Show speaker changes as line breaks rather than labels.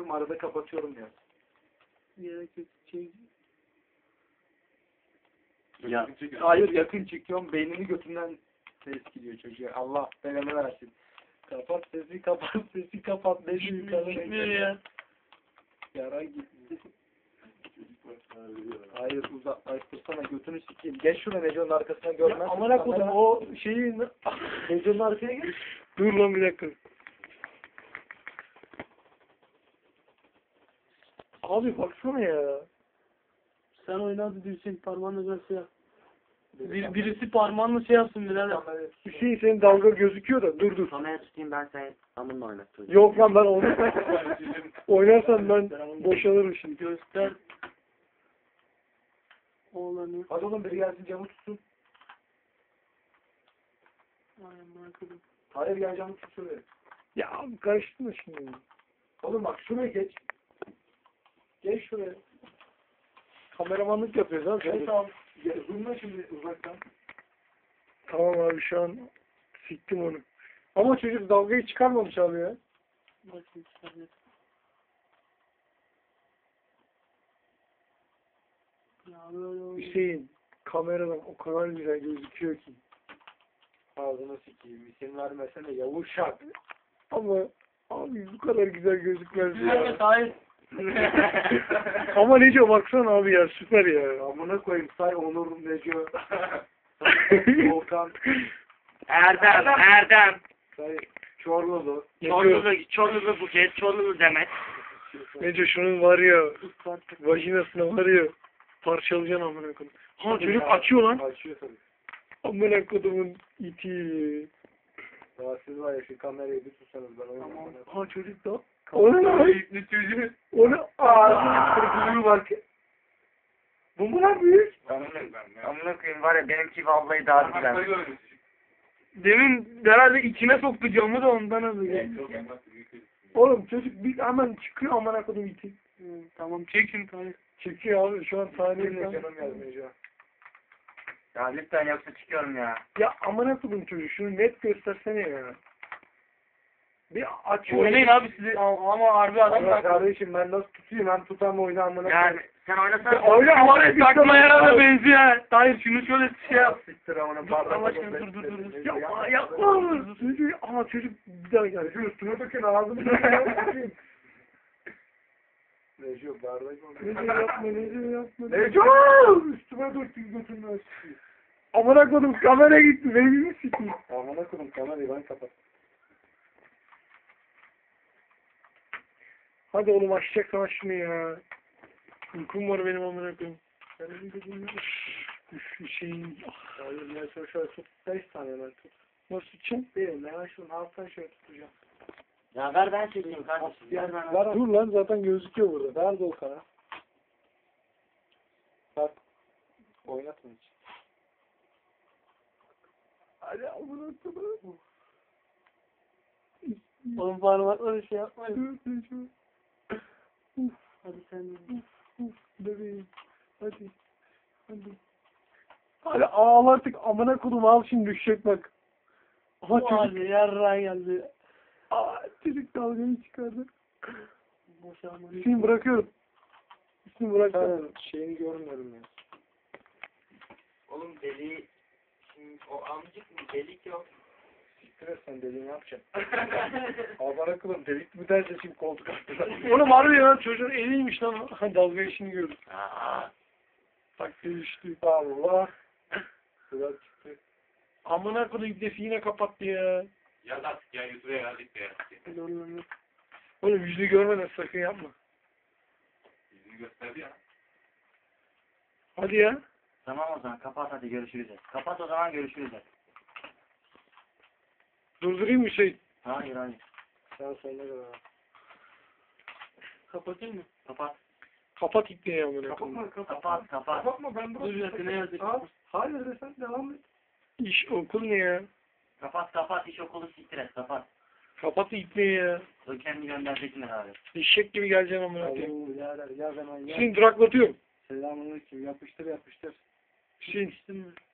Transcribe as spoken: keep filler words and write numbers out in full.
açıyorum, arada kapatıyorum ya.
Gerek yok. Şey...
Ya. Hayır, yakın çekiyorum, beynini götünden ses gidiyor çocuğa. Allah belanı versin. Kapat sesi, kapat sesi, kapat. Ne
Gitmiyor ya.
Yara gitti. Hayır, uzaklaştırsana, götünü sikeyim. Geç şuna, Neco'nun arkasına görmezsin.
Amına koydum o şeyi...
Neco'nun arkaya geç.
Dur lan bir dakika. Abi baksana ya. Sen oynadı diyorsun parmağınla böyle şey yap. Bir, birisi parmağınla şey yapsın birader. Hüseyin senin dalga gözüküyor da dur dur.
Kameraya tutayım ben sen amınla oynatacağım.
Yok lan ben onu oynarsan ben boşalırım şimdi.
Göster.
Oğlanı.
Hadi oğlum, biri gelsin camı tutsun.
Ay amına koydum.
Hayır, gel camı tut şuraya.
Ya abi karıştırma şimdi.
Oğlum bak, şuraya geç. Geç şuraya.
Kameramanlık yapıyoruz abi.
Evet tamam. Zoomla şimdi uzaktan.
Tamam abi şu an siktim onu. Ama çocuk dalgayı çıkarmamış abi ya. Bakayım sen. Hüseyin kameradan o kadar güzel gözüküyor ki.
Ağzına sikeyim. İsim vermesene yavuşak.
Ama abi bu kadar güzel gözükmez ya.
Hayır.
Ama Neco baksana abi ya süper ya.
Amına koyayım, say Onur, Neco. Volkan.
Erdem, Erdem.
Say Çorlulu.
Çorlulu, Çorlulu Buket, Çorlulu Demet.
Neco şunun var ya vajinasına var ya parçalayacaksın amına koyayım. Ha çocuk açıyor lan.
Açıyor tabii.
Amına kodumun iti.
Daha siz var ya, şu kamerayı bir tutsanız ben oynayayım.
Tamam. Ha çocuk da. Onu lan.
Ne çocuğu?
Onu ağzına kırpılıyor bak. Bu mu lan büyük?
Amına koyayım var ya benimki vallahi daha güzel.
Demin herhalde içine soktu camı da ondan alıyor. Oğlum çocuk bir hemen çıkıyor amına kodum iti. Hı, tamam çekin tamam. Çekiyor abi şu an saniye
Benim canım yazmayacağım.
Ya lütfen yoksa çıkıyorum ya.
Ya amına kodum çocuk şunu net göstersene ya. Bir açıyor.
Oynayın abi sizi ama harbi adam
Allah kardeşim, ben nasıl tutayım, ben tutam oyunu amına.
Yani sen oynasana.
Oyna ama
takma yarana benziyor. Hayır şunu şöyle şey yap.
Siktir amına.
Dur Allah aşkına dur dur dur.
Yapma yapma. Çocuk ama çocuk bir daha geldi.
Şu üstüme dökün ağzımı. Neco bardak oldu.
Neco yapma Neco yapma.
Neco! Üstüme döktün götürme.
Amına kodum kamera gitti. Beni mi sikeyim?
Amına koydum kamerayı, ben kapat.
Hadi oğlum açacaksan aç şunu ya. Uykum var benim amına koyayım.
Senin dediğin ne?
Üf Hüseyin.
Hayır, mesela şöyle tut. Beş tane ben tut.
Nasıl tutacağım?
Değil, ben şunun alttan şöyle tutacağım.
Ya ver ben çekeyim kardeşim. Ver ben.
Ver,
Dur lan zaten gözüküyor burada.
ver Volkan'a. Bak. Oynatma hiç.
Hadi amına koyayım. Oğlum parmakla bir şey yapmayın. Hadi sen de. Bebeğim. Hadi. Hadi. Hadi ağal artık amına kodum al şimdi düşecek bak. Aha çocuk. Hadi yarrağa geldi. Aa çocuk dalgayı çıkardı. Boşalma. Hüseyin bırakıyorum. Hüseyin bırakıyorum.
Şeyini görmüyorum ya.
Oğlum deli. Şimdi o amcık mı delik yok.
Siktir et sen, dediğini yapacaksın. Amına koydum, delik mi derse şimdi koltuk attılar.
Oğlum harbi ya çocuğun eliymiş lan. Ha dalga işini gördüm.
Aa.
Bak düştü.
Allah. Sıra çıktı.
Amına kodum defi yine kapattı ya.
Ya da ya YouTube'a yazdık ya.
Oğlum yüzünü görmeden sakın yapma.
Yüzünü gösterdi ya.
Hadi ya.
Tamam o zaman kapat hadi görüşürüz. Kapat o zaman görüşürüz.
Durdurayım mı şey?
Hayır hayır.
Sen sonuna kadar.
Kapatayım mı?
Kapat.
Kapat ipneyi amına
Kapatma,
kodum.
kapatma.
Kapat kapat.
Kapatma, ben
Dur bir dakika, ne yazık?
Al. Hayır de sen devam et.
İş okul ne ya?
Kapat kapat iş okulu siktir et kapat.
Kapat ipneyi ya.
O kendi göndereceksin abi.
Eşek gibi geleceksin amına koyayım.
Alo birader, yaz hemen yaz.
Hüseyin duraklatıyorum.
Selamünaleyküm, yapıştır yapıştır.
Hüseyin.